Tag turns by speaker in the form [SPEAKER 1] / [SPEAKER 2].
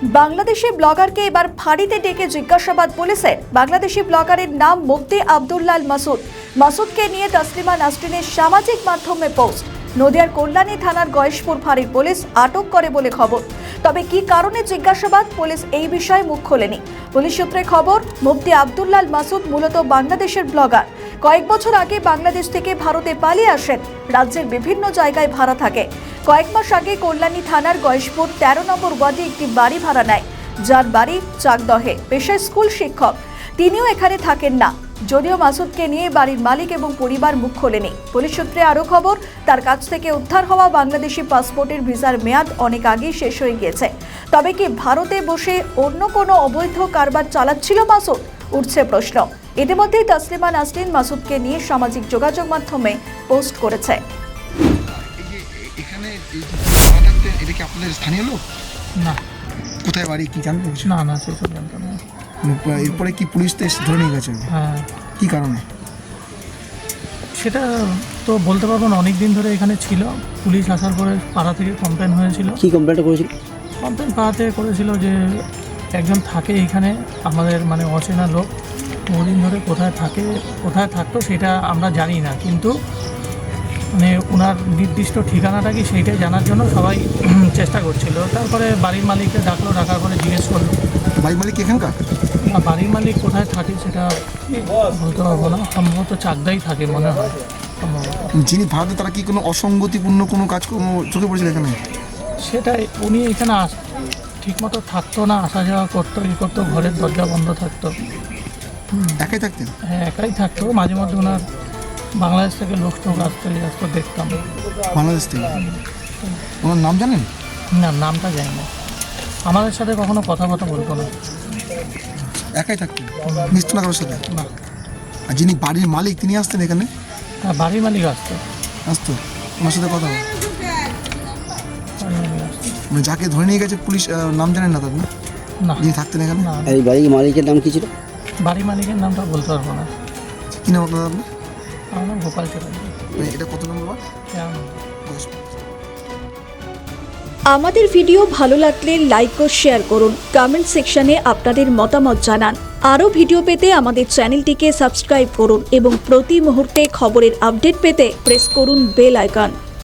[SPEAKER 1] বাংলাদেশি ব্লগারকে এবার ফাঁড়িতে ডেকে জিজ্ঞাসাবাদ পুলিশের। বাংলাদেশি ব্লগারের নাম মুফতি আব্দুল্লাল মাসুদ। মাসুদকে নিয়ে তসলিমা নাসরিনের সামাজিক মাধ্যমে পোস্ট। নদিয়ার কল্যাণী থানার গয়েশপুর ফাঁড়ির পুলিশ আটক করে বলে খবর। তবে কি কারণে জিজ্ঞাসাবাদ, পুলিশ এই বিষয়ে মুখ খোলেনি। পুলিশ সূত্রে খবর, মুফতি আব্দুল্লাল মাসুদ মূলত বাংলাদেশের ব্লগার। কয়েক বছর আগে বাংলাদেশ থেকে ভারতে পালিয়ে আসেন। রাজ্যের বিভিন্ন জায়গায় ভাড়া থাকে। কয়েক মাস আগে কল্যাণী থানার গয়েশপুর 13 নম্বর ওয়ার্ডে একটি বাড়ি ভাড়া নেয়, যার বাড়ি চাকদহে। পেশায় স্কুল শিক্ষক, তিনিও এখানে থাকেন না। যদিও মাসুদকে নিয়ে বাড়ির মালিক এবং পরিবার মুখ খোলেনি। পুলিশ সূত্রে আরও খবর, তার কাছ থেকে উদ্ধার হওয়া বাংলাদেশি পাসপোর্টের ভিসার মেয়াদ অনেক আগেই শেষ হয়ে গিয়েছে। তবে কি ভারতে বসে অন্য কোনো অবৈধ কারবার চালাচ্ছিল মাসুদ? উঠছে প্রশ্ন। ইতিমধ্যেই তসলিমা নাসরিন মাসুদকে নিয়ে সামাজিক যোগাযোগ মাধ্যমে পোস্ট করেছে।
[SPEAKER 2] এটা কি আপনাদের স্থানীয় লোক?
[SPEAKER 3] না।
[SPEAKER 2] কোথায় বাড়ি কি জানতে?
[SPEAKER 3] না সেসব জানতাম না।
[SPEAKER 2] এরপরে কি পুলিশ তো ধরে নিয়ে গেছে?
[SPEAKER 3] হ্যাঁ।
[SPEAKER 2] কি কারণে
[SPEAKER 3] সেটা তো বলতে পারবো না। অনেক দিন ধরে এখানে ছিল। পুলিশ আসার পরে পাড়া থেকে কমপ্লেন হয়েছিল।
[SPEAKER 4] কি কমপ্লেনটা করেছিল?
[SPEAKER 3] কমপ্লেন পাড়া থেকে করেছিল যে একজন থাকে এখানে, আমাদের মানে অচেনা লোক। বহুদিন ধরে কোথায় থাকতো সেটা আমরা জানি না, কিন্তু মানে ওনার নির্দিষ্ট ঠিকানাটা কি সেইটাই জানার জন্য সবাই চেষ্টা করছিল। তারপরে বাড়ির মালিককে ডাকার পরে জিজ্ঞেস করলো।
[SPEAKER 2] বাড়ির মালিক এখানকার?
[SPEAKER 3] না, বাড়ির মালিক কোথায় থাকে সেটা বলতে পারবো না। সম্ভবত চাকদাই থাকে মনে হয় সম্ভবত।
[SPEAKER 2] যিনি ভারতে, তারা কি কোনো অসঙ্গতিপূর্ণ কোনো কাজকর্ম চোখে পড়েছিল এখানে?
[SPEAKER 3] সেটাই, উনি এখানে ঠিকমতো থাকতো না, আসা যাওয়া করতো, ঘরের দরজা বন্ধ থাকতো।
[SPEAKER 2] একাই থাকতেন?
[SPEAKER 3] হ্যাঁ, একাই থাকতো। মাঝে মধ্যে ওনার বাংলাদেশ থেকে লোক আসতো দেখতাম।
[SPEAKER 2] বাংলাদেশ থেকে? ওনার নাম জানেন?
[SPEAKER 3] না, নামটা জানি না। আমাদের সাথে কখনো কথা বলতো না।
[SPEAKER 2] একাই থাকতেন, মিশতো না কারোর সাথে?
[SPEAKER 3] না।
[SPEAKER 2] আর যিনি বাড়ির মালিক, তিনি আসতেন এখানে?
[SPEAKER 3] হ্যাঁ, বাড়ির মালিক আসতো।
[SPEAKER 2] ওনার সাথে কথা হয়?
[SPEAKER 3] বাড়ির মালিক আসতো।
[SPEAKER 2] মানে যাকে ধরে নিয়ে গেছে পুলিশ, নাম জানেন না তার?
[SPEAKER 3] না।
[SPEAKER 2] যিনি থাকতেন এখানে?
[SPEAKER 3] না।
[SPEAKER 4] এই বাড়ির মালিকের নাম কি ছিল?
[SPEAKER 3] বাড়ির মালিকের নামটা বলতে পারবো না।
[SPEAKER 2] কি নাম আপনার?
[SPEAKER 3] আমার নাম গোপাল চ্যাটার্জি।
[SPEAKER 2] এটা কত নম্বর ওয়ার্ড?
[SPEAKER 1] আমাদের ভিডিও ভালো লাগলে লাইক ও শেয়ার করুন। কমেন্ট সেকশনে আপনাদের মতামত জানান। আরও ভিডিও পেতে আমাদের চ্যানেলটিকে সাবস্ক্রাইব করুন এবং প্রতি মুহূর্তে খবরের আপডেট পেতে প্রেস করুন বেল আইকন।